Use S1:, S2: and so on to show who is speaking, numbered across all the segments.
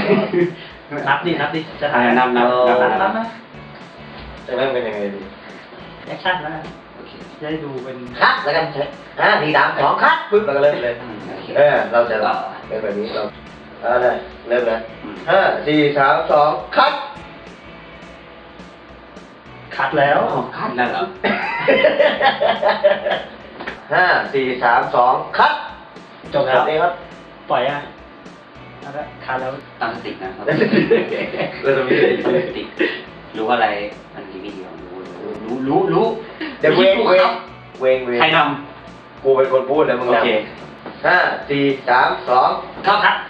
S1: นับดิจะถ่าย
S2: นับ
S1: นะ
S3: จะเริ่มเป็นยังไงดี
S1: แอคชั่นแล้วจะได้ดูเป็น
S3: คัดแล้วกัน4 3 2คัดปึ๊บเราก็เริ่มเลยเราจะเป็นแบบนี้เราได้เริ่มเลย5 4 3 2คัด
S1: แล้ว
S2: คัดแล้วเหรอ
S3: 5 4 3 2คัด
S1: จบแล้ว
S3: ครับ
S1: ปล่อยแล้วคัดแล้ว
S2: ตั้งสตินะครับเราจะมีสติรู้อะไรมันดีไม่ดีรู้
S3: เดี๋ยวเวง
S2: ใครท
S3: ำกูเป็นคนพูดแล้วมึงโอเค5 4 3 2
S2: คัดครับ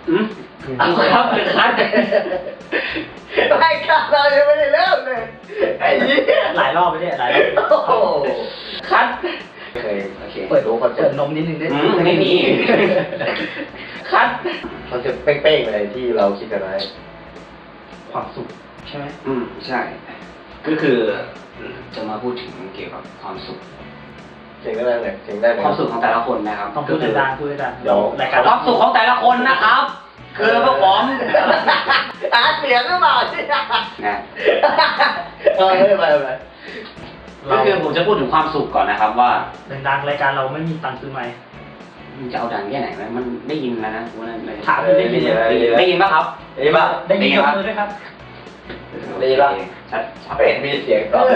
S2: คัด
S3: ไม่คัดเรายังไม่ได้เริ่มเลยไอ้ยี่
S1: หลายรอบไปเนี่ยหลายรอบ
S3: คัดเปิดรู้คอนเซ็ปต์
S1: นมนิดนึงได้
S2: ไม่มี
S3: คัดคอนเซ็ปต์เป้งๆเลยที่เราคิดกันไว้
S1: ความสุขใช่ไหม
S2: ใช่ก็คือจะมาพูดถึงเกี่ยวกับความสุข
S3: เสียงได้เลยเสียงได้เลย
S2: ความสุขของแต่ละคนนะครับ
S1: ต้องพูดดังๆ
S2: เดี๋ยวความสุขของแต่ละคนนะครับคือพวกผม
S3: เสียงหรือเปล่าใช่ไหมไม่ไป
S2: ก็คือผมจะพูดถึงความสุขก่อนนะครับว่า
S1: ดังๆรายการเราไม่มีตังค์ซื้อไมค์
S2: มันจะเอาดังแค่ไหนไหมมันได้ยินแล้วนะ
S1: ถามได้
S2: ยินป่ะครับ
S3: ได้ป่ะ
S1: ได้ยินกับมือด้วยครับ
S3: ได้ป่ะชัดเป็นมีเสียงตอบ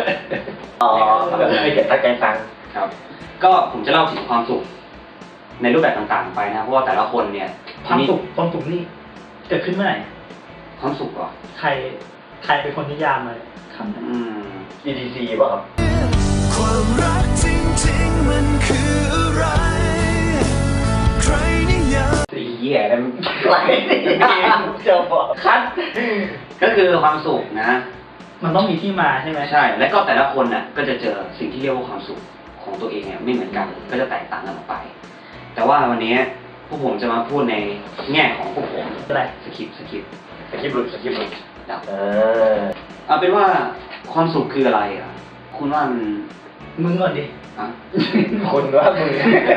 S3: ไม่เก็บตั้งใจฟัง
S2: ครับก็ผมจะเล่าถึงความสุขในรูปแบบต่างๆไปนะเพราะว่าแต่ละคนเนี่ย
S1: ความสุขนี่เกิดขึ้นเมื่อไหร่
S2: ความสุขเหรอ
S1: ใครเป็นคนนิยามเลยคำนั้น
S3: EDC ป่ะครับ
S4: ความรักจริงๆมันคืออะไรใครนิยาม
S2: เหี้ยแล้ว
S3: ใครนิยามจะบอก
S2: คัดก็คือความสุขนะ
S1: มันต้องมีที่มาใช่ไหม
S2: ใช่แล้วก็แต่ละคนน่ะก็จะเจอสิ่งที่เรียกว่าความสุขของตัวเองเนี่ยไม่เหมือนกันก็จะแตกต่างกันออกไปแต่ว่าวันนี้พวกผมจะมาพูดในแง่ของพวกผม
S1: อะไร
S2: สคริปต์
S3: หลุด
S2: ดับเอาเป็นว่าความสุขคืออะไรอ่ะคุณว่ามัน
S1: มึงก่อนดิ
S3: คุณว่ามึง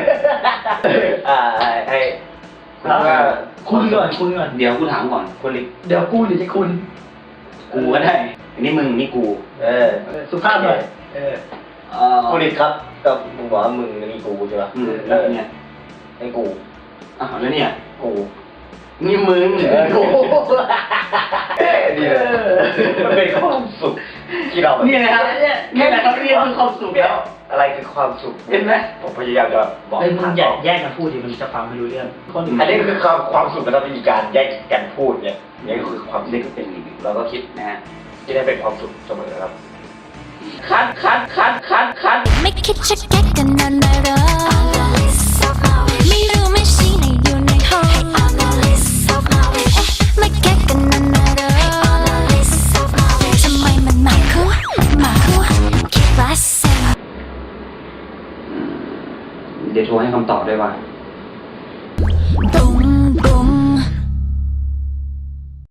S3: ไอ้
S1: คุณก่อน
S2: เดี๋ยวกูถามก่อน
S3: คุณลิ
S1: เดี๋ยวกูหรือจะคุณ
S2: กูก็ได้อันนี้มึงนี่กู
S1: สุภาพหน่อย
S3: คุณลิครับก็มึงบอกว่ามึงนี่กูใช่ป่ะ
S2: แล้วเนี่ย
S3: ไอ้กู
S2: แล้วเนี่ย
S3: กู
S2: นี่มึง
S3: กูนี่เลยมันเป็นความสุขที่เรา
S2: นี่นะครับนี่แหละเขาเรียกคือความสุขแล้ว
S3: อะไรคือความสุข
S2: เห็นไหม
S3: ผมพยายามจะบอก
S1: มึงแยกกันพูดดิมันจะฟังไม่รู้เรื่อง
S3: อันนี้คือความสุขแล้ววิธีการแยกกันพูดเนี่ยนี่คือความ
S2: นี่ก็เป็น
S3: เราก็คิดนะฮะที่ได้เป็นความสุขเสมอครับ
S4: คัดไม่คิดจะแก้กันนานๆหรอไม่รู้ไม่ชี้ในอยู่ในห้องไม่แก้กันนานๆหรอทำไมมันหมาคู่คิดว่าเซล
S2: เดี๋ยวโทรให้คำตอบด้วยว่า